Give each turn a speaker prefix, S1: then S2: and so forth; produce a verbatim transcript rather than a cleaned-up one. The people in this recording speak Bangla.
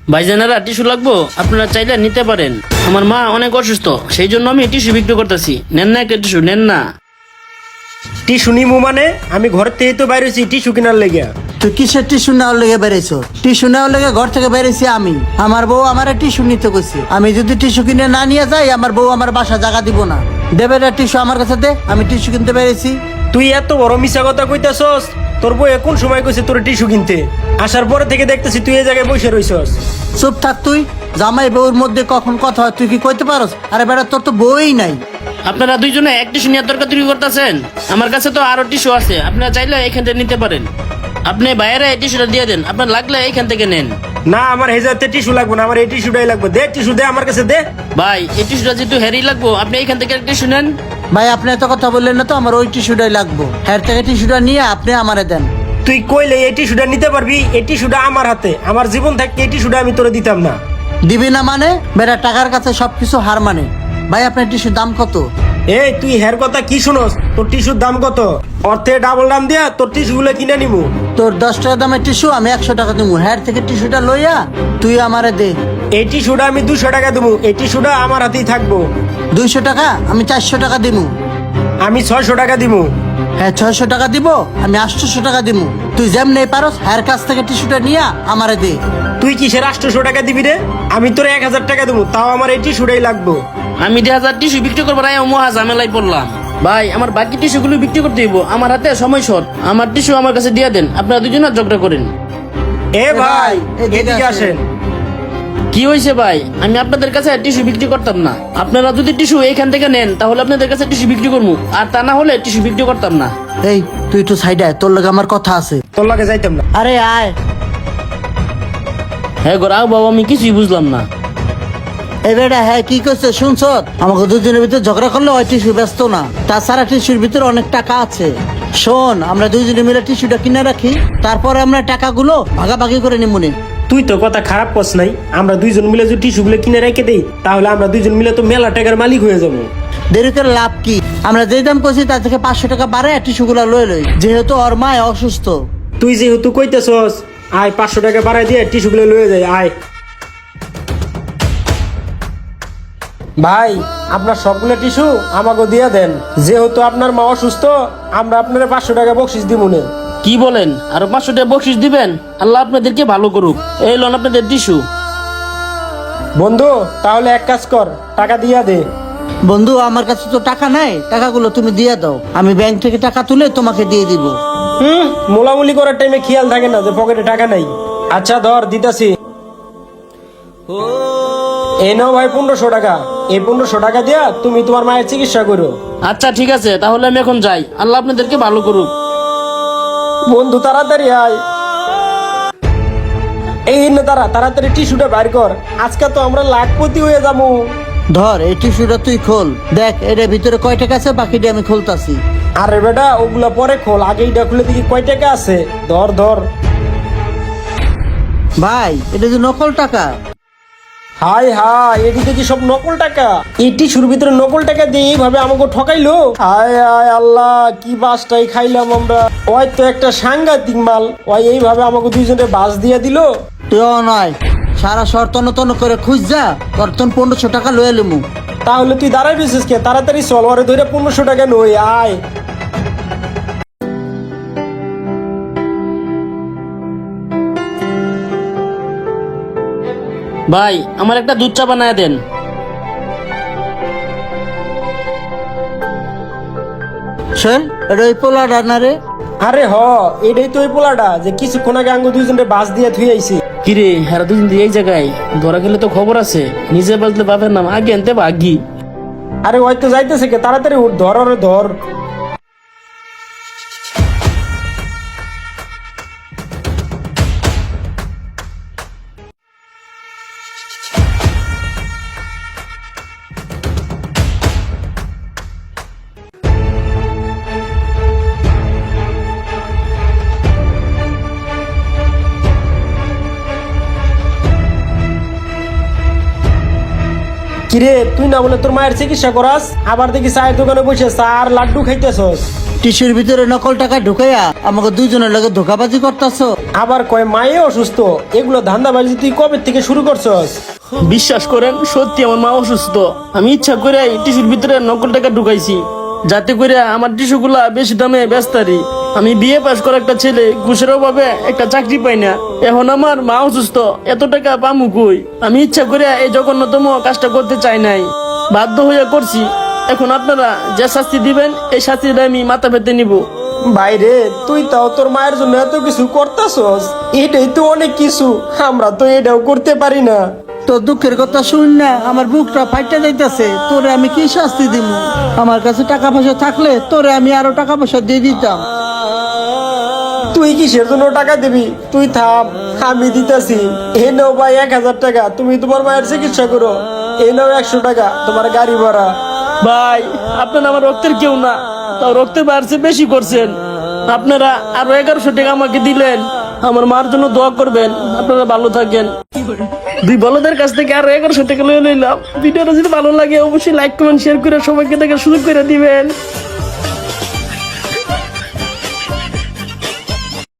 S1: ভাইজানেরা টিস্যু লাগবো, আপনারা চাইলে নিতে পারেন। আমার মা অনেক অসুস্থ, সেই জন্য আমি টিস্যু বিক্রি করতেছি। নেন না একটা টিস্যু, নেন না।
S2: টিস্যু নিমু মানে আমি ঘর থেকে তো বাইরে হয়েছি টিস্যু কেনার লেগে।
S3: তুই কিসের টিস্যু নেওয়ার লেগে বেড়েছো? টিস্যু নেওয়ার লেগে ঘর থেকে বেড়েছি আমি। আমার বউ আমার টিস্যু নিতে কইছে। আমি যদি টিস্যু কিনে না নিয়ে যাই, আমার বউ আমার বাসা জায়গা দিব না। দেবে না টিস্যু আমার কাছে দে, আমি টিস্যু কিনতে পেরেছি।
S2: তুই এত বড় মিশা কথা কইতাছস? তোর বউ এখন সময় কইছে তোর টিস্যু কিনতে, আসার পরে থেকে দেখতেছি তুই এই জায়গায় বসে রইছস।
S3: চুপ থাক তুই। জামাই বউর মধ্যে কখন কথা হয় তুই কি কইতে পারস? আরে বেটা, তোর তো বউই নাই।
S1: আপনারা দুইজনে এক টিস্যু নিয়ে তর্কাতর্কি করতেছেন। আমার কাছে তো আরো টিস্যু আছে, আপনারা চাইলে এখান থেকে নিতে পারেন। আপনি বাইরে এই টিস্যুটা দিয়ে দেন, আপনার লাগলে এইখান থেকে নেন।
S2: না, আমার হেজাতে টিস্যু লাগবে না, আমার এই টিস্যুটাই লাগবে। দে টিস্যু দে আমার কাছে, দে।
S1: ভাই এই টিস্যুটা যেহেতু হেরি লাগবো, আপনি এইখান থেকে একটা টিস্যু নেন।
S3: ভাই আপনি এত কথা বললেন না তো, আমার ওই টিস্যুটাই লাগবো। হ্যার থেকে টিস্যুটা নিয়ে আপনি আমারে দেন।
S2: তুই কইলে এই টিস্যুটা নিতে পারবি? এই টিস্যুটা আমার হাতে, আমার জীবন থাকতে এই টিস্যুটা আমি তোরে দিতাম না।
S3: দিবি না মানে? বেটা টাকার কাছে সবকিছু হার মানে। ভাই আপনার টিস্যুর দাম কত?
S2: এই তুই হের কথা কি শুনস? তোর টিস্যুর দাম কত? অর্থে ডাবল দাম দিয়া তোর টিস্যুগুলো কিনে নিমু।
S3: তোর দশ টাকা দামের টিস্যু আমি একশো টাকা দিব। হ্যার থেকে টিস্যুটা লইয়া তুই আমারে দে।
S2: এই টিস্যুটা আমি দুশো টাকা দেবো, এই টিস্যুটা আমার হাতেই থাকবো।
S3: দুইশো টাকা আমি চারশো টাকা দিব।
S2: আমি ছয়শো টাকা দিবো।
S3: হ্যাঁ ছয়শো টাকা দিব, আমি আটশোশো টাকা দিব। তুই যেমনি পারস হ্যার কাছ থেকে টিস্যুটা নিয়া আমারে দে।
S2: তুই কিসের আটশোশো টাকা দিবি রে? আমি তোর এক হাজার টাকা দেবো, তাও আমার এই টিস্যুটাই লাগবো।
S1: আমি দেড় হাজার টিস্যু বিক্রি করবো, রায় মহা ঝামেলায় পড়লাম। ভাই আমার বাকি টিস্যুগুলো বিক্রি করতে দিব, আমার হাতে সময় শর্ট। আমার টিস্যু আমার কাছে দিয়ে দেন, আপনারা দুজনে ঝগড়া করেন।
S2: এ ভাই
S3: এদিকে
S2: এদিকে
S3: আসেন।
S2: আসেন।
S1: কি হয়েছে ভাই? আমি আপনাদের কাছে টিস্যু বিক্রি করতাম না। আপনারা যদি টিস্যু এইখান থেকে নেন তাহলে আপনাদের কাছে টিস্যু বিক্রি করবো, আর তা না হলে টিস্যু বিক্রি করতাম না।
S3: এই তুই তো সাইডে আয়, তোর লগে আমার কথা আছে।
S2: তোর লাগে যাইতাম না।
S3: আরে আয়।
S1: হ্যাঁ গো রাও বাবা, আমি কিছুই বুঝলাম না।
S3: এই বেটা হ্যাঁ কি করছে শুনছ? আমাকে দুজনের ভিতরে ঝগড়া করলে ওই টিস্যু ব্যস্ত না, তাছাড়া টিস্যুর ভিতরে অনেক টাকা আছে। শোন, আমরা দুইজনে মিলে টিস্যুটা কিনে রাখি, তারপরে আমরা টাকাগুলো ভাগাভাগি করে নিমুনি।
S2: তুই তো কথা খারাপ করছ নাই। আমরা দুইজন মিলে যদি টিস্যুগুলো কিনে রেখে দেই তাহলে আমরা দুইজন মিলে তো মেলা টাকার মালিক হয়ে যাবো।
S3: দেরি করে লাভ কি? আমরা যে দাম করছি তার থেকে পাঁচশো টাকা বাড়ে টিস্যুগুলো লয়ে লই, যেহেতু ওর মায় অসুস্থ।
S2: তুই যেহেতু কইতেছস, আয় পাঁচশো টাকা বাড়াই দিয়ে টিস্যুগুলো লয়ে যায়। আয় ভাই, আপনার সবগুলো টিস্যু আমাকে দিয়ে দেন। যেহেতু আপনার মা অসুস্থ, আমরা আপনার পাঁচশো টাকা বকশিস দিব না।
S1: কি বলেন? আরো পাঁচশো টাকা বকশিস দিবেন? আল্লাহ আপনাদেরকে ভালো করুক। এই লোন আপনাদের টিস্যু।
S2: বন্ধু তাহলে এক কাজ কর, টাকা দিয়া দে।
S3: বন্ধু আমার কাছে তো টাকা নাই, টাকাগুলো তুমি দিয়ে দাও, আমি ব্যাংক থেকে টাকা তুলে তোমাকে দিয়ে দিব।
S2: হুম, মোলামুলি করার টাইমে খেয়াল থাকে না যে পকেটে টাকা নাই। আচ্ছা ধর দিতাছি। এই নাও ভাই পনেরোশো টাকা। এই পনেরোশো টাকা দিয়া তুমি তোমার মায়ের চিকিৎসা করো।
S1: আচ্ছা ঠিক আছে, তাহলে আমি এখন যাই। আল্লাহ আপনাদেরকে ভালো করুক।
S2: বন্ধু তাড়াতাড়ি আয়। এই না তারা তাড়াতাড়ি টিস্যুটা বাইর কর, আজকে তো আমরা লাখপতি হয়ে যাবো।
S3: ধর এই টিস্যুটা তুই খোল, দেখ এটার ভিতরে কয় টাকা আছে, বাকিটা আমি খুলতাছি।
S2: আরে বেটা ওগুলা পরে খোল, আগে এইটা খুলে দেখি কয় টাকা আছে। ধর ধর।
S3: ভাই এটা যে নকল টাকা।
S2: হাই হাই, এটি দেখি সব নকল টাকা। এই টিস্যুর ভিতরে নকল টাকা দিয়ে এইভাবে আমাকে ঠকাইলো। হায় হায় আল্লাহ, কি বাসটাই খাইলাম আমরা। ওই তো একটা সাংঘাতিক মাল, ওই এইভাবে আমাকে দুইজনে বাস দিয়ে দিল।
S3: তুইও নয়, সারা শহর তন্ন তন্ন করে খুঁজ যা, তোর তন পনেরোশো টাকা লয়ে এলুমু।
S2: তাহলে তুই দাঁড়াই বিশেষ কে, তাড়াতাড়ি চল, ওরে ধরে পনেরোশো টাকা নই। আয়
S1: ভাই আমার একটা দুধ চা বানায় দেন।
S3: শোন, এটা ওই পোলা রান্নারে।
S2: আরে হ, এটাই তো ওই পোলাটা যে কিছুক্ষণ আগে আঙ্গু দুইজনে বাস দিয়ে থুই আইছি।
S1: কিরে হেরা দুদিন দিয়ে এই জায়গায় ধরা গেলে তো খবর আছে। নিজে বাজলে বাপের নাম আগে আনতে ভাগি।
S2: আরে ওই তো যাইতেছে কে, তাড়াতাড়ি উঠ, ধর ওরে ধর। কিরে তুই না বলে তোর মায়ের চিকিৎসা করাস, আবার দেখি চায়ের দোকানে বসে চা আর লাড্ডু খাইতেছস।
S3: টিস্যুর ভিতরে নকল টাকা ঢুকাইয়া আমাকে দুইজনের লগে ধোকাবাজি করতেছ।
S2: আবার কয় মায়ে অসুস্থ, এগুলো ধান্দাবাজি তুই কবে থেকে শুরু করছস?
S1: বিশ্বাস করেন সত্যি আমার মা অসুস্থ। আমি ইচ্ছা করে এই টিস্যুর ভিতরে নকল টাকা ঢুকাইছি, যাতে করে আমার টিস্যু গুলা বেশি দামে বেচতারি। আমি বিয়ে পাশ করা একটা ছেলে, ঘুষের অভাবে একটা চাকরি পাই না। এখন আমার মা অসুস্থ, এত টাকা পামু কই? আমি ইচ্ছা করে এই জঘন্যতম কাজটা করতে চাই নাই, বাধ্য হইয়া করছি। এখন আপনারা যে শাস্তি দিবেন এই শাস্তিটা আমি মাথা পেতে নিব।
S2: বাইরে তুই তাও তোর মায়ের জন্য এত কিছু করতেছস, এটাই তো অনেক কিছু, আমরা তো এটাও করতে পারি না।
S3: তোর দুঃখের কথা শুন না, আমার বুকটা ফাইটা যাইতেছে। তোরে আমি কি শাস্তি দিব? আমার কাছে টাকা পয়সা থাকলে তোরে আমি আরো টাকা পয়সা দিয়ে দিতাম।
S2: তুই কিসের জন্য টাকা দিবি? তুই থাম, আমি দিতেছি। এ নাও ভাই এক হাজার টাকা, তুমি তোমার মায়ের চিকিৎসা করো। এ নাও একশো টাকা তোমার গাড়ি ভাড়া।
S1: ভাই আপনারা আমার রক্তের কেউ না, তাও রক্তের বাড়ছে বেশি করছেন। আপনারা আরো এগারোশো টাকা আমাকে দিলেন, আমার মার জন্য দোয়া করবেন। আপনারা ভালো থাকেন। দুই বলদের কাছ থেকে আরো এগারোশো টাকা লয়ে নিলাম। ভিডিওটা যদি ভালো লাগে অবশ্যই লাইক কমেন্ট শেয়ার করে সবাইকে দেখার সুযোগ করে দিবেন।